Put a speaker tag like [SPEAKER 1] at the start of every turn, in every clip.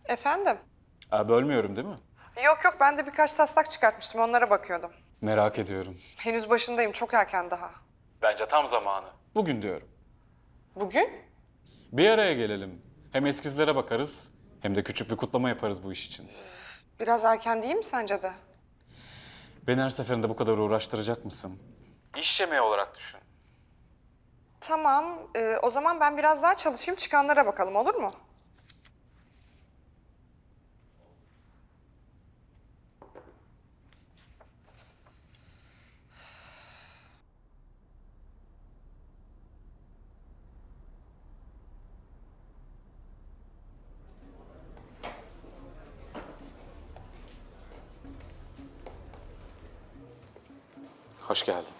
[SPEAKER 1] Efendim?
[SPEAKER 2] Bölmüyorum değil mi?
[SPEAKER 1] Yok yok, ben de birkaç taslak çıkartmıştım, onlara bakıyordum.
[SPEAKER 2] Merak ediyorum.
[SPEAKER 1] Henüz başındayım, çok erken daha.
[SPEAKER 2] Bence tam zamanı. Bugün diyorum.
[SPEAKER 1] Bugün?
[SPEAKER 2] Bir araya gelelim. Hem eskizlere bakarız hem de küçük bir kutlama yaparız bu iş için.
[SPEAKER 1] Biraz erken değil mi sence de?
[SPEAKER 2] Beni her seferinde bu kadar uğraştıracak mısın? İş yemeği olarak düşün.
[SPEAKER 1] Tamam, o zaman ben biraz daha çalışayım, çıkanlara bakalım, olur mu?
[SPEAKER 2] Hoş geldin.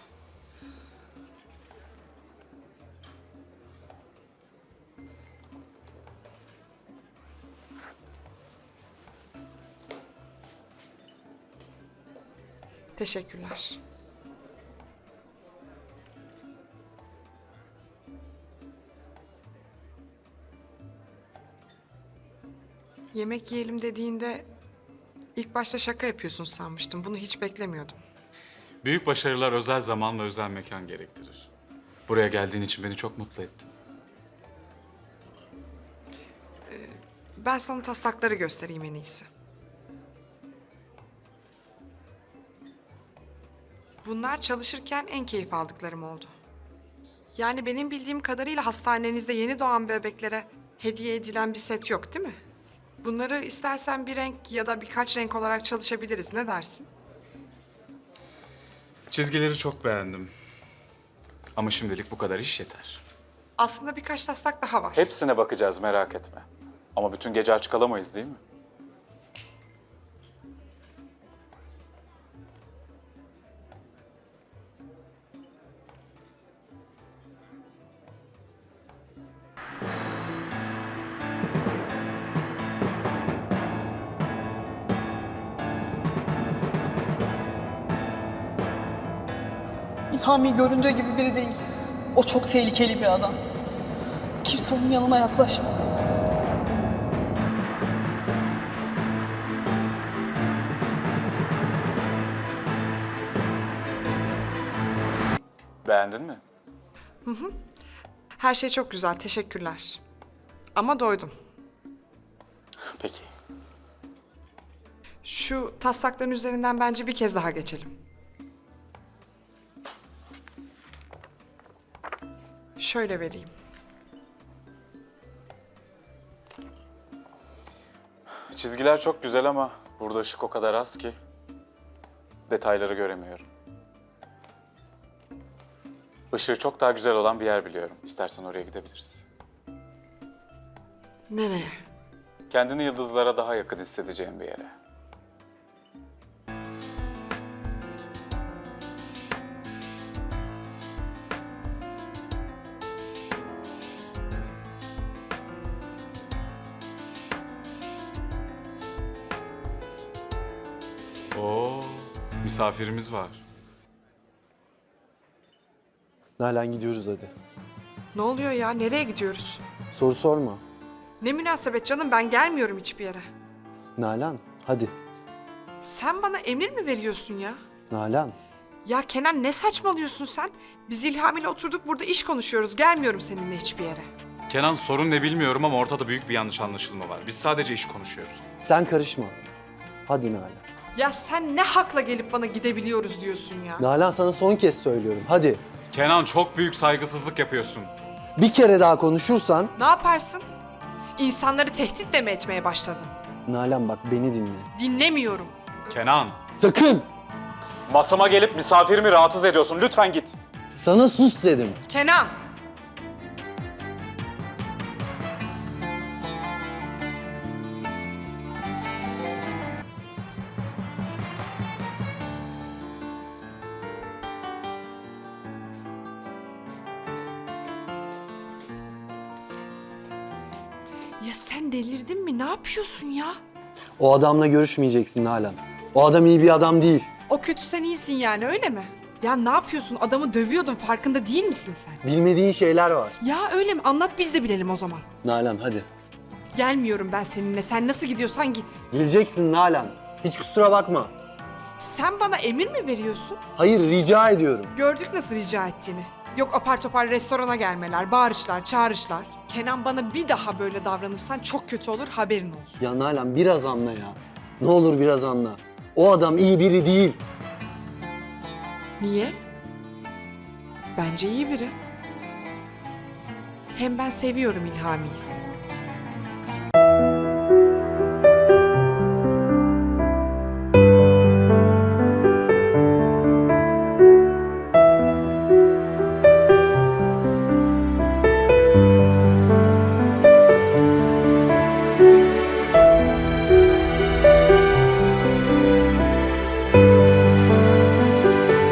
[SPEAKER 1] Teşekkürler. Yemek yiyelim dediğinde ilk başta şaka yapıyorsun sanmıştım. Bunu hiç beklemiyordum.
[SPEAKER 2] Büyük başarılar özel zaman ve özel mekan gerektirir. Buraya geldiğin için beni çok mutlu ettin.
[SPEAKER 1] Ben sana taslakları göstereyim en iyisi. Bunlar çalışırken en keyif aldıklarım oldu. Yani benim bildiğim kadarıyla hastanenizde yeni doğan bebeklere hediye edilen bir set yok, değil mi? Bunları istersen bir renk ya da birkaç renk olarak çalışabiliriz. Ne dersin?
[SPEAKER 2] Çizgileri çok beğendim. Ama şimdilik bu kadar iş yeter.
[SPEAKER 1] Aslında birkaç taslak daha var.
[SPEAKER 2] Hepsine bakacağız, merak etme. Ama bütün gece aç kalamayız değil mi?
[SPEAKER 3] İlhami göründüğü gibi biri değil. O çok tehlikeli bir adam. Kimse onun yanına yaklaşma.
[SPEAKER 2] Beğendin mi?
[SPEAKER 1] Her şey çok güzel, teşekkürler. Ama doydum.
[SPEAKER 2] Peki.
[SPEAKER 1] Şu taslakların üzerinden bence bir kez daha geçelim. Şöyle vereyim.
[SPEAKER 2] Çizgiler çok güzel ama burada ışık o kadar az ki detayları göremiyorum. Işığı çok daha güzel olan bir yer biliyorum. İstersen oraya gidebiliriz.
[SPEAKER 1] Nereye?
[SPEAKER 2] Kendini yıldızlara daha yakın hissedeceğin bir yere. Oo, misafirimiz var.
[SPEAKER 4] Nalan gidiyoruz hadi.
[SPEAKER 1] Ne oluyor ya? Nereye gidiyoruz?
[SPEAKER 4] Soru sorma.
[SPEAKER 1] Ne münasebet canım, ben gelmiyorum hiçbir yere.
[SPEAKER 4] Nalan hadi.
[SPEAKER 1] Sen bana emir mi veriyorsun ya?
[SPEAKER 4] Nalan.
[SPEAKER 1] Ya Kenan, ne saçmalıyorsun sen? Biz İlham ile oturduk burada iş konuşuyoruz. Gelmiyorum seninle hiçbir yere.
[SPEAKER 2] Kenan, sorun ne bilmiyorum ama ortada büyük bir yanlış anlaşılma var. Biz sadece iş konuşuyoruz.
[SPEAKER 4] Sen karışma. Hadi Nalan.
[SPEAKER 1] Ya sen ne hakla gelip bana gidebiliyoruz diyorsun ya?
[SPEAKER 4] Nalan sana son kez söylüyorum. Hadi.
[SPEAKER 2] Kenan, çok büyük saygısızlık yapıyorsun.
[SPEAKER 4] Bir kere daha konuşursan...
[SPEAKER 1] Ne yaparsın? İnsanları tehditle mi etmeye başladın?
[SPEAKER 4] Nalan bak beni dinle.
[SPEAKER 1] Dinlemiyorum.
[SPEAKER 2] Kenan,
[SPEAKER 4] Sakın!
[SPEAKER 2] masama gelip misafirimi rahatsız ediyorsun. Lütfen git.
[SPEAKER 4] Sana sus dedim.
[SPEAKER 1] Kenan! Ya sen delirdin mi? Ne yapıyorsun ya?
[SPEAKER 4] O adamla görüşmeyeceksin Nalan. O adam iyi bir adam değil.
[SPEAKER 1] O kötü, sen iyisin yani, öyle mi? Ya ne yapıyorsun? Adamı dövüyordun, farkında değil misin sen?
[SPEAKER 4] Bilmediğin şeyler var.
[SPEAKER 1] Ya öyle mi? Anlat, biz de bilelim o zaman.
[SPEAKER 4] Nalan hadi.
[SPEAKER 1] Gelmiyorum ben seninle. Sen nasıl gidiyorsan git.
[SPEAKER 4] Geleceksin Nalan. Hiç kusura bakma.
[SPEAKER 1] Sen bana emir mi veriyorsun?
[SPEAKER 4] Hayır, rica ediyorum.
[SPEAKER 1] Gördük nasıl rica ettiğini. Yok apar topar restorana gelmeler, bağırışlar, çağrışlar. Kenan bana bir daha böyle davranırsan çok kötü olur, haberin olsun.
[SPEAKER 4] Ya Nalan biraz anla ya. Ne olur biraz anla. O adam iyi biri değil.
[SPEAKER 1] Niye? Bence iyi biri. Hem ben seviyorum İlhami'yi.